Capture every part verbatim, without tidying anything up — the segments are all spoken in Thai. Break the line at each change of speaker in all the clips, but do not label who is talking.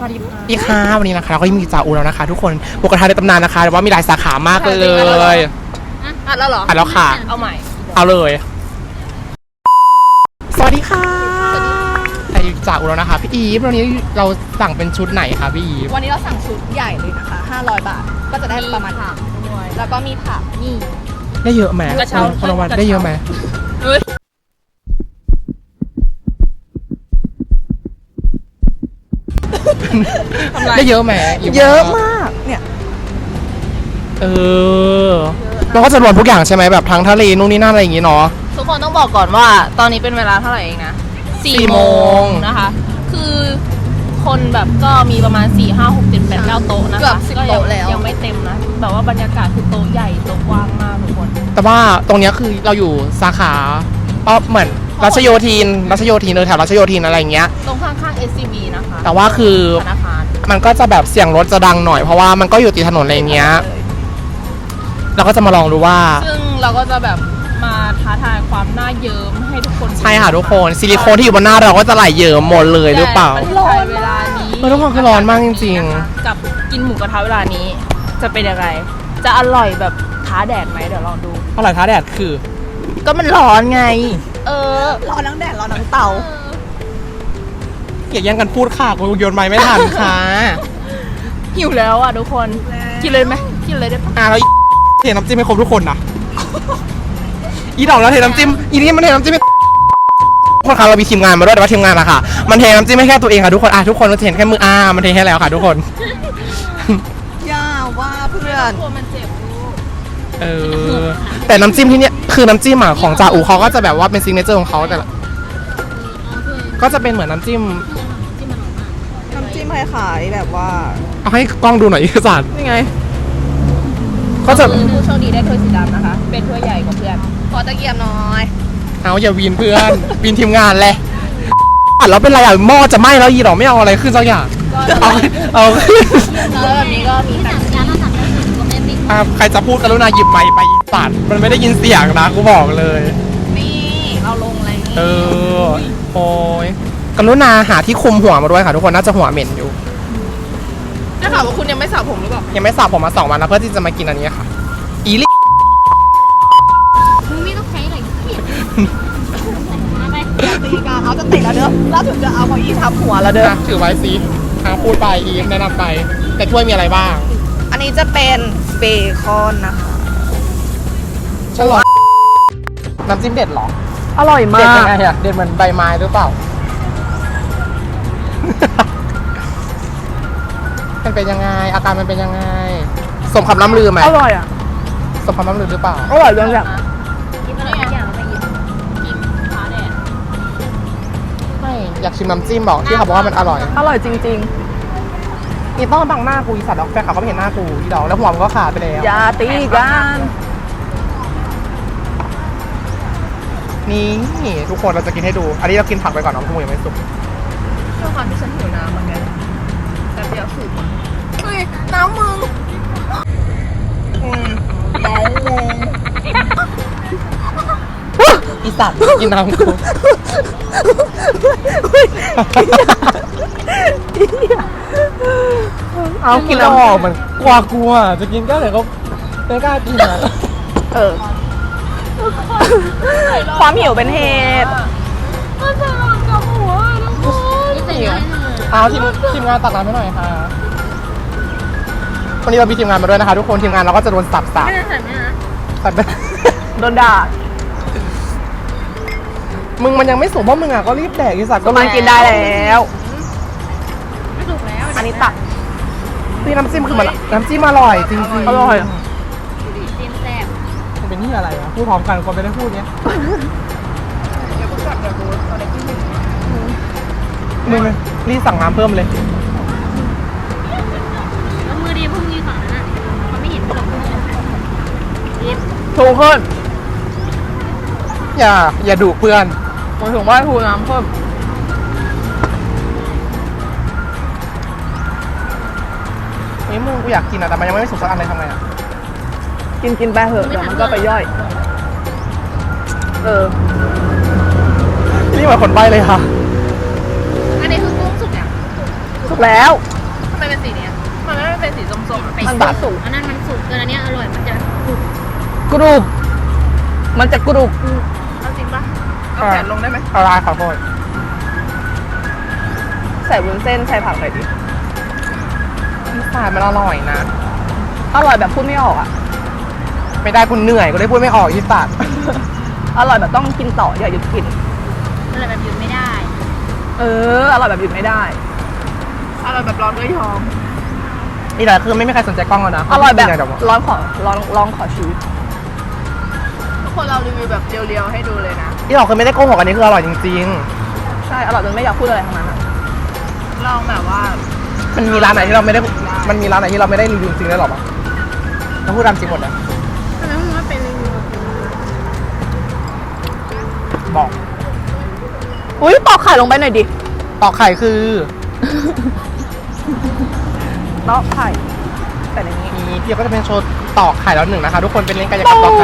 วัสดีค่ะ
ดีค่ะวันนี้นะคะเราก็ยังมีจ่าอูแล้วนะคะ ทุกคนหมูกระทะในตำนานนะคะแต่ว่ามีหลายสาขามากเลย
อัดแล้วเหรอ
อัดแล้วค่ะ
เอาใหม่
เอาเลย สวัสดีค่ะไอจ่าอูแล้วนะคะพี่อีฟวันนี้เราสั่งเป็นชุดไหนคะพี่อีฟ
วันนี้เราสั่งชุดใหญ่เลยนะคะห้าร้อยบาทก็จะได้ประมาณผักด้วยแล้วก็มีผักนี่
ได้เยอะไหม
กระเช้า
คนละวันได้เยอะไหม
เฮ้ย
ได้เยอะไหม
เยอะมากเนี่ย
เออเราก็จะรวมทุกอย่างใช่ไหมแบบทั้งทะเลนู่นนี่นั่นอะไรอย่างงี้เนาะ
ทุกคนต้องบอกก่อนว่าตอนนี้เป็นเวลาเท่าไหร่เองนะ
สี่
สี่
โม
โม
ง
งนะคะ คือคนแบบก็มีประมาณสี่ห้าหกเจ็ดแปดเก้าโต๊ะนะคะ
เกือบสิบ
ก็ยัง
โต๊ะแล้ว
ยังไม่เต็มนะแบบว่าบรรยากาศคือโต๊ะใหญ่โต๊ะกว้างมากทุกคน
แต่ว่าตรงเนี้ยคือเราอยู่สาขาอ๋อเหมือนรัชโยธินรัชโยธินเออแถวรัชโยธินอะไรอย่างเงี้ย
ตรงข้างๆ เอส ซี บี นะคะ
แต่ว่าคือ
ธนาคาร
มันก็จะแบบเสียงรถจะดังหน่อยเพราะว่ามันก็อยู่ติดถนนอะไรเงี้ยเราก็จะมาลองดูว่า
ซึ่งเราก็จะแบบมาท้าทายความน่าเยิ้มให้ทุกคน
ใช่ค่ะทุกคนซิลิโคนที่อยู่บนหน้าเราก็จะไหลเยิ้มหมดเลยหรือเปล่า
แต่ประเทศไทยเวลานี้
เออทุกคนคือร้อนมากจริง
ๆกับกินหมูกระทะเวลานี้ จะเป็นยังไงจะอร่อยแบบท้าแดดไหมเดี๋ยวลองดู
อร่อยท้าแดดคือ
ก็มันร้อนไง เออ
ร้อนทั้งแดดร้อนทั้งเตา
อย่าแย่งกันพูดค่ะกูโยนไม้ไม่ทันค่ะ
หิวแล้วอ่ะทุกคน กินเลยไหมกินเลยได้ปะ
อ่ะแล้วเทน้ำจิ้มให้ครบทุกคนนะอีดอกแล้วเทน้ำจิ้มอีนี่มันเทน้ำจิ้มให้ทุกคนคะเรามีทีมงานมาด้วยแต่ว่าทีมงานอะค่ะมันเทน้ำจิ้มให้แค่ตัวเองค่ะทุกคนอ่ะทุกคนเราจะเห็นแค่มืออ่ามันเทให้แล้วค่ะทุกคน
ย่าว่าเพื่อน
กลัวมันเจ็บลูก
เออแต่น้ำจิ้มที่เนี้ยคือน้ำจิ้มอ่ะของจ่าอูเขาก็จะแบบว่าเป็นซิกเนเจอร์ของเขาแต่ละก็จะเป็นเหมือนน้ำจิ้ม
น้ำจิ้มคล้ายๆแบบว่า
เอาให้กล้องดูหน่อยอีกสาร
นี่ไง
ก็จะ
คือผู้โชคดีได้ถ้วยสีดำนะคะ เป็นถ้วยใหญ่กว่าเพื่อน
ขอตะเกียบหน่อย
เอาอย่าวีนเพื่อนวีนทีมงานแหละอัดแล้วเป็นไรอ่ะหม้อจะไหม้แล้วยีดอกไม่เอาอะไรขึ้นสักอย่าง
ก็
เอาเอา
แล้วแบบนี้ก็มีตัก
อ่ะใครจะพูดกรุณาหยิบไมค์ไปอีสัตว์มันไม่ได้ยินเสียงนะกูบอกเลย
นี่เราลงอะไรนี่
เออโอ้ยกรุณาหาที่คุมหัวมาด้วยค่ะทุกคนน่าจะหัวเหม็นอยู่
ได้ข่าวว่าคุณยังไม่สระผมหรือเปล่า
ยังไม่สระผมมาสองวันนะเพื่อที่จะมากินอันนี้ค่ะ อีลิ
มึงไม่ต้องใช้อะไรที่ไป
ตีกันเอาจะติดแล้วเด้อแล้วถึงจะเอาเก้าอี้ทับหัวแล้วเด้อ
อ่ะถือไว้สิอ่ะพูดไปอีฟแนะนำไป แต่ถ้วยมีอะไรบ้าง
อันนี้จะเป็นเบคอนนะคะ
ฉลอดน้ำจิ้มเด็ดเหรอ
อร่อย
เด็ด
มา
ยั
ก
งไงอะเด็ดเหมือนใบไม้หรือเปล่า มันเป็นยังไง อาการมันเป็นยังไง สมคำล่ำลือไหม
อร่อยอ่ะ
สมคำล่ำลือหรือเปล่า
อร่อยจังเลย
กินอะไรทุกอย่างไปอีกกินท้าแดด
ไม่อยากชิมน้ำจิ้มบอกที่เขาบอกว่ามันอร่อย
อร่อยจริง
นี่ต้องบังหน้ากูอีสัตว์ดอกแฟนเขาก็ไม่เห็นหน้ากูอีดอกแล้วหัวมันก็ขาดไปแล้ว
ๆ อย่าตีกัน
นี่ทุกคนเราจะกินให้ดู อันนี้เรากินผักไปก่อนน้องพูยังไม่สุก
ด้วยความที่ฉันหิวน้ำเหมือนกันแต่เดี๋ยวสูบเฮ้ยน้ำมึง
อีสัตว์กินน้ำกูเอากินแล้วออกมันกลัวกลัวจะกินก็แต่ก็ไม่กล้ากินอ่ะ
เออ ความหิวเป็นเหตุ
มันจะลองกับหัวทุกคน
นี่ใส่เนื้อให้หน่อย
เอาทีมทีมงานตักน้ำให้หน่อยค่ะวันนี้เรามีทีมงานมาด้วยนะคะ ทุกคนทีมงานเราก็จะโดนสับสับ
ไม่ได้ใส่เนื้อนะ
สับ
โดนด่า
มึงมันยังไม่สุกเพราะมึงอ่ะก็รีบแดกอีสัตว์
ก็มันกินได้แล้ว
ไม่ถูกแล้ว
อันนี้ตัก
พี่น้ำจิ้มคือมันน้ำจิ้มอร่อยจริงๆ
อร่อย
เต็มแซ่บ
มันเป็นที่อะไรอ่ะพูดพร้อมกันคนไม่ได้พูดเนี้ยมึงรีบสั่งน้ำเพิ่มเลย
แล้วมือดีพวกนี้ฝั่งนั้นอ่ะเขาไม่เห็นหรอกเย็บ
ถูกขึ้น
อย่าอย่าดุเพื่อน
หมายถึงว่าถูกน้ำเพิ่ม
นี่มึงกูอยากกินอ่ะแต่มันยังไม่สุกสักอันเลยทำไงอ่ะ
กินกินไปเถอะเดี๋ยวมันก็ไปย่อย เออ
นี่เหมือนคนใบ้เลยค่ะ
อันนี้คือกุ้งสุกอ่ะ
สุกแล้ว
อ
มันเป็นสีเนี้ยมันไม่เป็นสีส้มๆอะ
ไป
มัน
สุ
จะ
ก
สุก
อันนั้นมันสุกเกินอันเนี้ยอร่อยมันจะกรุบ
กรุบมันจะกรุบ
เอาจริงปะเอาแขนลงได้ไหม
อะไรขอโทษ
ใส่วุ้นเส้นใส่ผักหน่อยดิ
พิซซ่ามันอร่อยนะ
อร่อยแบบพูดไม่ออกอ่ะ
ไม่ได้คุณเหนื่อยก็ได้พูดไม่ออกพิซซ่า
อร่อยแบบต้องกินต่ออย่าหยุดกิน
อร่อยแบบหยุดไม่ได้
เอออร่อยแบบหยุดไม่ได้
อร่อยแบบร้อนด้วยยอม
นี่แหละคือไม่มีใครสนใจกล้องแล้วนะ
อร่อยแบบ
เดี๋ว
ร้อนขอลองลองขอชีวิต
ทุกคนเรารีวิวแบบเรียวๆให้ดูเลยนะ
ที่เราคือไม่ได้โกหกอันนี้คืออร่อยจริง
ใช่อร่อยจนไม่อยากพูดอะไรทั้งนั้นอะ
ลองแบบว่า
ๆ มันมีร้านไหนที่เราไม่ได้ มันมีร้านไหนที่เราไม่ได้รีวิวจริงได้หรอปะเราพูดตามจริงหมดเลย
ทำไมมึงไม่เป็นรีวิว
บอก
อุ้ยปอกไข่ลงไปหน่อยดิ
ตอกไข่คือ
ปอกไข่แต่ในนี้
นี่พี่ก็จะเป็นโชว์ตอกไข่แล้วหนึ่งนะคะ ทุกคนเป็นเล่นกายกรรมตอกไข่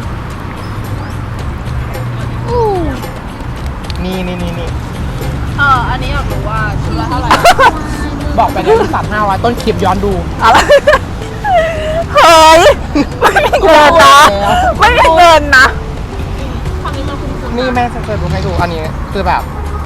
อู้
นี่นี่นี่นี่
เอออันนี้อยากรู้ว่าชุดละเท่าไหร่
บอกไปเลยสามห้าร้อยต้นคลิปย้อนดู
อะไรเฮ้ยไม่มีเงินนะไม่มีเงินนะ
ความมีเราคุณสุด
นี่แม่จะดูให้ดูอันนี้คือแบบ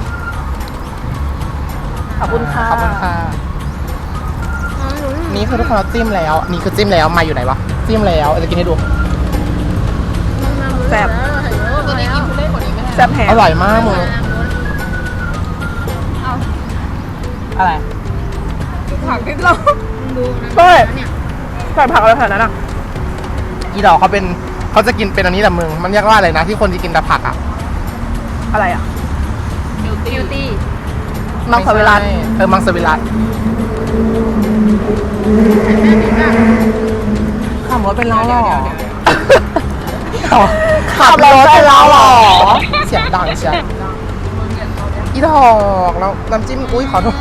ขอบคุณค่ะ
ขอบคุณค่ะ นี่คือทุกคนเราจิ้มแล้ว นี่คือจิ้มแล้วมาอยู่ไหนวะจิ้มแล้วจะกินให้ดู
แซ่บ
ตัวนี้กินทุเรศกว่านี้ไม่ได้
แซ่บแฮง
อร่อยมากมึง
เอา
อะไร
ผักนิดเรา
ดูนะ
เฮ้ย
เนี่ย
ใส่ผักอะไรขนาดนั้นอ่ะ
อีดอกเขาเป็นเขาจะกินเป็นอันนี้แต่มึงมันเรียกว่าอะไรนะที่คนจะกินแต่ผักอ่ะ
อะไรอ่ะ
บิวตี้
บิวตี้
มังสวิรัติ
เออมังสวิรัตขับรถเป็นเราหรอ
ขับรถเป็นเราเหรอ
เสียงดังเชียวอีดอกแล้วน้ำจิ้มอุ้ยขอโทษ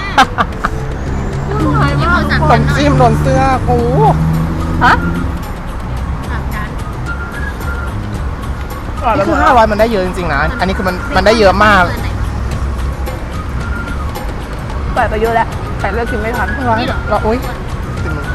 ที่เขาสั่ง
น้ำจิ้มโดนเสื้อกู
ฮะ
สามจาน
อร่อย
นี่
ไปหม
คื
ด
อ
แล้
ห้าว ร้อยมันได้เยอะจริงๆนะ อันนี้คือมันมันได้เยอะมาก
ใส่ไปเยอะแล้วแต่เลือกกินไม่ทัน
รอให้รออุ้ยติดมือ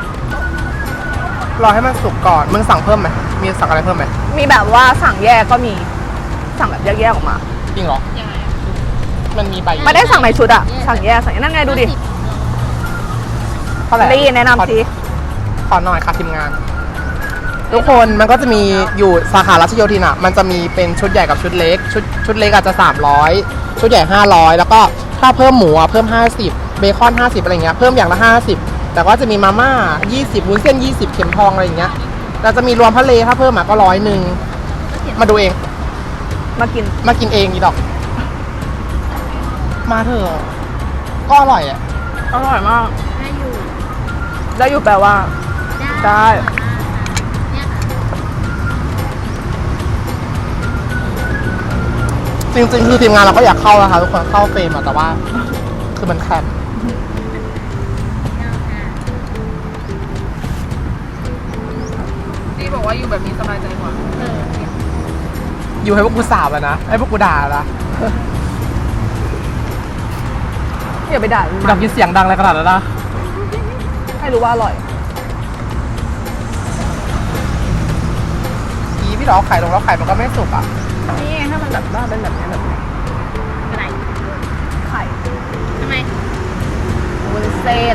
รอให้มันสุกก่อน มึงสั่งเพิ่มไหมมีสั่งอะไรเพิ่มไหม
มีแบบว่าสั่งแยกก็มี สั่งแบบแยกๆออกมา
จริงเหรอ
ยังไงอะ
มันมีใบ
ไม่ได้สั่งในชุดอะสั่งแยกสั่งนั่นไงดูดิ
เท่าไหร่
ลี่แนะนำสิ
ขอหน่อยค่ะทีมงาน ทุกคนมันก็จะมีอยู่สาขารัชโยธินอ่ะ มันจะมีเป็นชุดใหญ่กับชุดเล็ก ชุดชุดเล็กอาจจะสามร้อยชุดใหญ่ห้าร้อยแล้วก็ถ้าเพิ่มหมูอ่ะเพิ่มห้าสิบเบคอนห้าสิบอะไรเงี้ยเพิ่มอย่างละห้าสิบแต่ก็จะมีมาม่ายี่สิบวุ้นเส้นยี่สิบเข็มทองอะไรอย่างเงี้ยแล้วจะมีรวมทะเลถ้าเพิ่มอ่ะก็ร้อยหนึ่งมาดูเอง
มากิน
มากินเองอีดอก มาเถอะก็อร่อยอ่ะ
อร่อยมาก
ได้อยู่
แล้วอยู่แปลว่า ได้
เนี่ยค่ะ
จริงๆคือทีมงานเราก็อยากเข้านะคะทุกคนเข้าเฟรมอะแต่ว่า คือมันแคบ
เนี่ยค่ะ
ที่บอกว่าอยู่แบบนี้สบายใจกว่า
เออ
อยู่ให้พวกกูสาบอะนะให้พวกกูด่าละ
อย่าไปด่า
ดับยินเสียงดังอะไรขนาดนั้นนะ
ให้รู้ว่าอร่อย
อีพี่ดอกไข่ลงแล้วไข่มันก็ไม่สุกอ่ะ
นี่ถ้ามันแบบว่าเป็นแบบนี้แบบนี้
อะไร
ไข่
ทำไม
วุ้นเส้น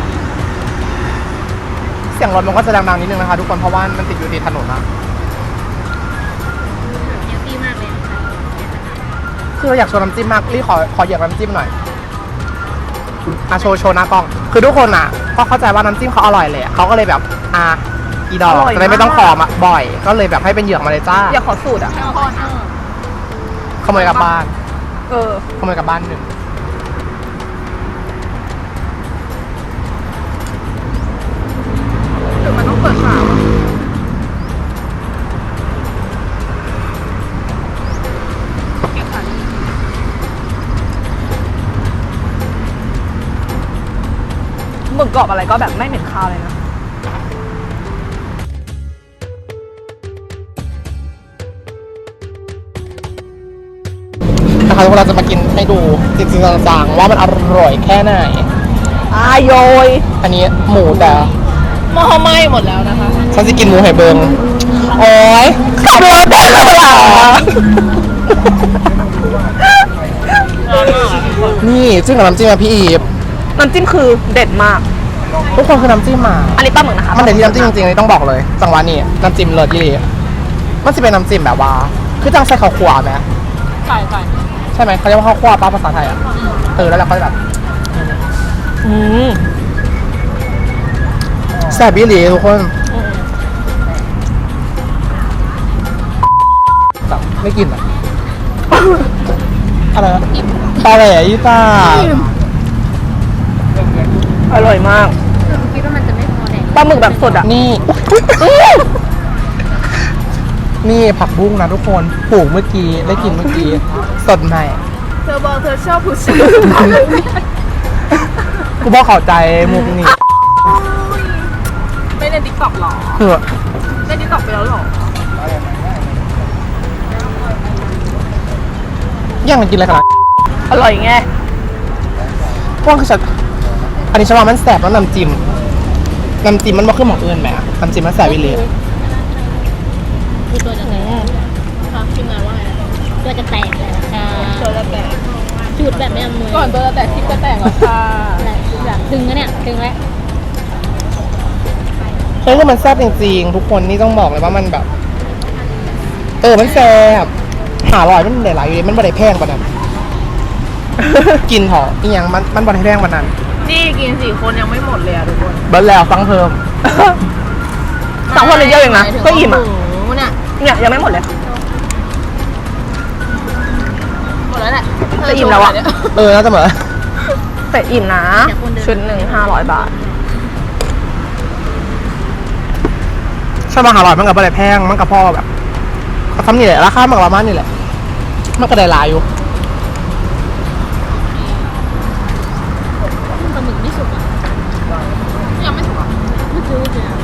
เสียงรถมันก็จะดังๆนิดนึงนะคะทุกคนเพราะว่ามันติดอยู่ที่ถนนนะ
เยอะดีมากเลยค่ะ
คือเราอยากโชว์น้ำจิ้มมากรีขอขอเหยียบน้ำจิ้มหน่อยอ่ะโชว์โชว์หน้ากล้อง คือทุกคนอ่ะก็เข้าใจว่าน้ำจิ้มเขาอร่อยเลยอะเขาก็เลยแบบอ่ะอีดอกจะได้ไม่ต้องขอมาบ่อย ก็เลยแบบให้เป็นเหยือกมาเลยจ้า
อยากขอสูตรอ่ะ
ไม่เอาข้อนะ
ขโมยกลับบ้าน
เออ
ขโมยกลับบ้านหนึ่ง
หรือมันต้องเปิดฝา
หมึกกรอบอะไรก็แบบไม่เหม็นคาวเลยนะ
นะคะทุกคนเราจะมากินให้ดูจริงๆจังๆว่ามันอร่อยแค่ไหน
อายโยย
อันนี้หมูแต่
หม้อไหม้หมดแล้วนะคะ
ฉันจะกินหมูไห่เบิงโอ้ย
ขับรถได้แล้วเหรอ
นี่จิ้มกับน้ำจิ้มอะพี่อีฟ
น้ำจิ้มคือเด็ดมาก
ทุกคนคือน้ำจิ้มมา
อันนี้ปลาหมึกนะคะ
มันเด็ดที่น้ำจิ้มจริงๆนี่ต้องบอกเลย จังหวะนี้น้ำจิ้มเลิศยี่ดีมันจะเป็นน้ำจิ้มแบบว่า คือจังใส่ข้าวคั่วไหม
ใช่ใช่
ใช่ไหมเขาเรียกว่าข้าวคั่วป้าภาษาไทยอ่ะเออแล้วเราก็แบบ
อืม
แซ่บยี่ดีทุกคนแบบไม่กินอ่ะ อะไรนะปลาแหล่ยี่ป้า
อร่อยมาก
คิดว่ามันจะไม่พอแน่
ปลาหมึกแบบสดอ่ะ
นี่ นี่ผักบุ้งนะทุกคนปลูกเมื่อกี้ได้กินเมื่อกี้สดใหม่
เธอบอกเธอชอบผู้ชาย
กูบอกเข้าใจมุกนี่
ไม่ในติ๊กต็อกหรอ
คือ
ในติ๊กต็อกไปแล้วหรอ
ย่างกันกินอะไรกันล่ะ
อร่อยไง
พวกคือฉันอันนี้ฉันว่ามันแสบแล้วน้ำจิ้มน้ำจิ้มมันบ่ขึ้นหมองอื่นไหมอะน้ำจิ้มมันแสบวิเลย
คือตัวจะแตกค่ะขึ้นมาว่าตัวจะแตกแล้วค่ะ
ตัวจะแตก
จุดแบบไม่อำนวย
ก่อนตัวจะแตกคลิปก็แตกแล้วค่ะ
แหละแบบดึงแล้วเนี่ยดึงแล้ว
เฮ้ยคือมันแซ่บจริงๆทุกคนนี่ต้องบอกเลยว่ามันแบบ เออมันแซ่บหาอร่อยมันหลายๆอยู่เลยมันบ่ได้แพงกว่านั้น กินเถอะอีหยังมันมันบ่ได้แพงกว่านั้น
นี่กินสี่คนยังไม่หมดเลยอะทุกคน
เบิร์ดแล้วฟังเพิ่ม
สองคนเลยเยอะเองนะก็อิ่มอ่ะ
หมูเนี่ย
เนี่ยยังไม่หมดเลย
หมดแล้วแหละ
จะอิ่มแล้วอะ
เออน่าจะเหมือน
แต่อิ่มนะ ชุดหนึ่งห้าร้อยบาท
ใช่มาหาอร่อยมันกับบ่ได้แพงมันกับพ่อแบบก็ทำนี่แหละราคามันกับประมาณนี่แหละมันก็ได้หลายอยู่
ปลาหมึกไม่สุกอ่ะ
ยังไม่ถูกอ่ะ
ไม่ซื้อเลยอ่ะ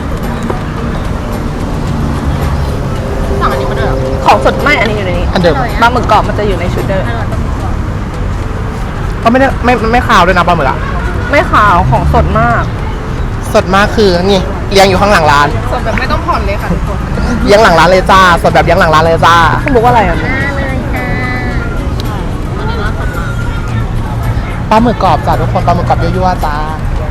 สั่งอันนี้มาด้วยเหรอ
ของสดไม่อันนี้อยู่ในนี้
อันเดิม
ปลาหมึกกรอบมันจะอยู่ในชุดเดิม
อร่อยปลาหมึกกรอบ
ก็ไม่ได้ไม่ไม่ขาวด้วยนะปลาหมึกอะ
ไม่ขาวของสดมาก
สดมากคือนี่เลี้ยงอยู่ข้างหลังร้าน
สดแบบไม่ต้องผ่อนเลยค่ะทุกคน
เลี้ยงหลังร้านเลยจ้าสดแบบเลี้ยงหลังร้านเลยจ้า
คุณบอกว่าอะไรอ่ะ
มาเลยค่ะอันนี้ร้านสดมาก
ปลาหมึกกรอบจ้าทุกคนปลาหมึกกรอบยั่วๆจ้า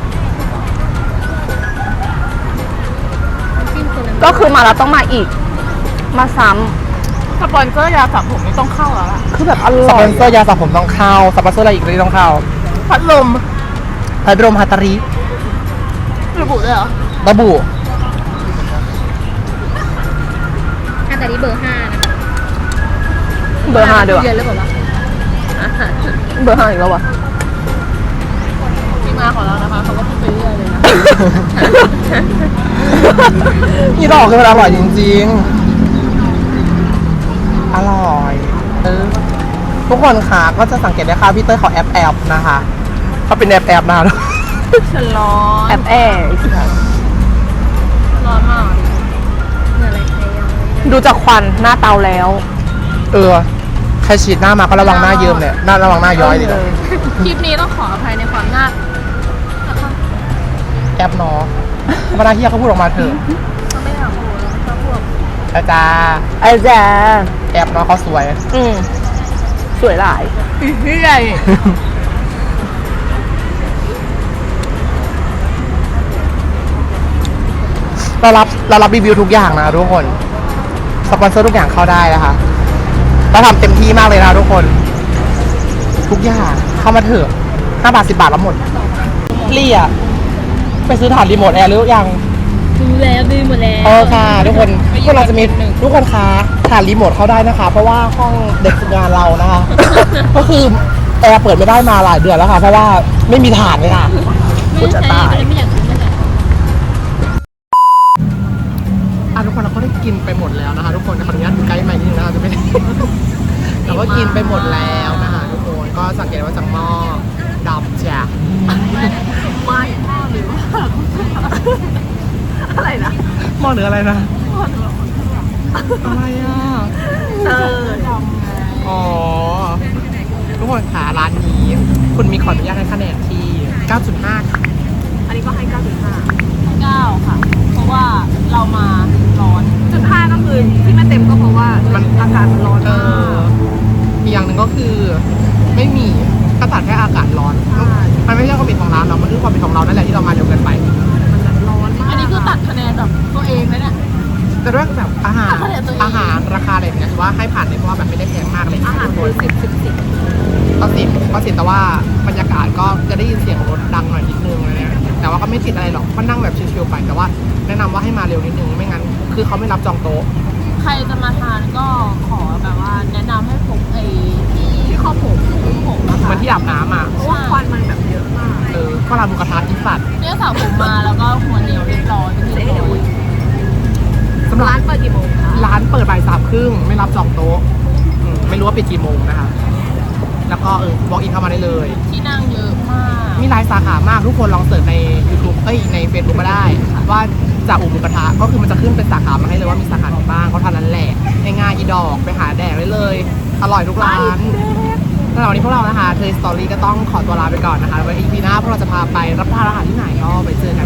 จิ้มคนละ
ก็คือมาแล้วต้องมาอีก มาซ้
สปอนเซอร์ยาสระผมนี่ต้องเข้าแล้วล่ะ
ำคือแบบอ
ส
ร่
ป
อ
อย นเซอร์ยาสระผมต้องเข้าสปอนเซอร์อะไรอีกที่ต้องเข้า
พัดลม
พัดลมฮัตตาริ
ระบุด้วยเหรอ
ระบุ
อันแต่นี้เบอร์ห้านะคะ
เบอร์ห้าด้วย
เดือนแล้วบอกว่า
เบอร์ห้าอีกแล้ววะ
ที่มาของเรานะคะเขาก็พูดไปเรื่อยเลยนะ
นี่ดอกคือมันอร่อยจริงๆ อร่อยเออทุกคนค่ะก็จะสังเกตได้ค่ะพี่เต้ยเขาแอบแอบๆนะคะเขาเป็นแอบแอบๆนะ
ฉันร้อน
แอบแอร์อีกแล้ว
ร้อนมาก
เหนื่อยอะไรใครยังไม่ได้
ดูจากควันหน้าเตาแล้ว
เออใครฉีดหน้ามาก็ระวังหน้าเยิ้มเนี่ยหน้าระวังหน้าย้อยดิ
เออ
คลิปนี้ต้องขออภัยในความน่า
แอบเนาะเวลาเฮียเขาพูดออกมาเถอะ
เขาไม่อยากพูดเขาพูด
อาจารย์
ไอ้แจ๊
แอบเนาะเขาสวย
อืมสวยหลาย
เฮ้ย
เรารับเรารับรีวิวทุกอย่างนะทุกคน สปอนเซอร์ทุกอย่างเข้าได้นะคะเราทำเต็มที่มากเลยนะทุกคน ทุกอย่างเข้ามาเถอะห้าบาทสิบบาทแล้วหมดลี่อ่ะไปซื้อถ่านรีโมทแอร์หรือยัง
ดูแล้วดูหมดแล้ว
เออค่ะทุกคนพวกเราจะมีทุกคนคะถ่านรีโมทเข้าได้นะคะ เพราะว่าห้องเด็กฝึกงานเรานะคะ ก็คือแอร์เปิดไม่ได้มาหลายเดือนแล้วค่ะ เพราะว่าไม่มีถ่านเลยค่ะ
ไม่ได้ใช้ก็เลยไม่อยากซื้อมาใส่
อ่ะทุกคนเราก็ได้กินไปหมดแล้วนะคะ ทุกคนขออนุญาตใกล้ใหม่นิดนึงนะคะจะไม่ได้ เราก็กินไปหมดแล้วนะคะทุกคนก็สังเกตว่าจากหม้อดำจ้ะ
ไม่หรือว่าอะไรนะ
หม้อหรืออะไรนะอะไรอ่ะ
เออ
อ๋อทุกคนค่ะร้านนี้ คุณมีขออนุญาตให้คะแนนที่ เก้าจุดห้า ค่ะ
อันนี้ก็ให้เก้าจุดห้า
เก้าค่ะ เพราะว่าเรามาร้อน
จุดห้าก็คือที่ไม่เต็มก็เพราะว่ามันอากาศมันร้อน
เอ
มาก
ออีกอย่างหนึ่งก็คือไม่มีก็ตัดแค่อากาศร้อน มันไม่ใช่ความผิดของร้านเนาะมันคือความผิดของเรานั่นแหละที่เรามาเร็วเกินไป
มันแบบร้อนมาก
อันนี้คือตัดคะแนนแบบตัวเองนะเนี่ย
แต่ด้วยแบบอาหาร
ตัดคะแนนตัวเอง
อาหารราคาอะไรแบบเนี้ยถือว่าให้ผ่านเลยเพราะว่าแบบไม่ได้แพงมากเลย
อาหารคือสิบสิบสิบ
ก็สิบก็สิบแต่ว่าบรรยากาศก็จะได้ยินเสียงรถดังหน่อยนิดนึงอะไรเงี้ยแต่ว่าก็ไม่ติดอะไรหรอกก็นั่งแบบชิลๆไปแต่ว่าแนะนำว่าให้มาเร็วนิดนึงไม่งั้นคือเขาไม่รับจองโต๊ะ
ใครจะมาทานก็ขอแบบว่าแนะนำให้พกไอ้ที่
ที่ข้อผม
ผมนะ
เหมื
คะ
อนที่อาบน้ำอ่ะ
เพราะว่าควันมันแบบเยอะมาก
เออก็ร้านหมูกระทะอีสัตว์
เนี่ยสาวผมมาแล้วก็หัวเหนียวเรียบร้อยเป็นที่เรียบร้อย
สำหรับ
ร้านเปิดกี่โมงคะ
ร้านเปิดบ่ายสามครึ่งไม่รับจองโต๊ะอืมไม่รู้ว่าปิดกี่โมงนะคะแล้วก็เออบอกอินเข้ามาได้เลย
ที่นั่งเยอะมาก
มีหลายสาขามากทุกคนลองเสิร์ชใน YouTube เอ้ยใน Facebook มาได้ ว่าจากอุบุกระทะก็คือมันจะขึ้นเป็นสาขามาให้เลยว่ามีสาขาไหนบ้างเขาทานนั้นแหละง่ายๆอีดอกไปหาแดกได้เลย อร่อยทุกร้านสำหรับวันนี้พวกเรานะคะเทยสตอรี่ก็ต้องขอตัวลาไปก่อนนะคะไว้ อี พี หน้าพวกเราจะพาไปรับประทานอาหารที่ไหนก็ไปเจอกัน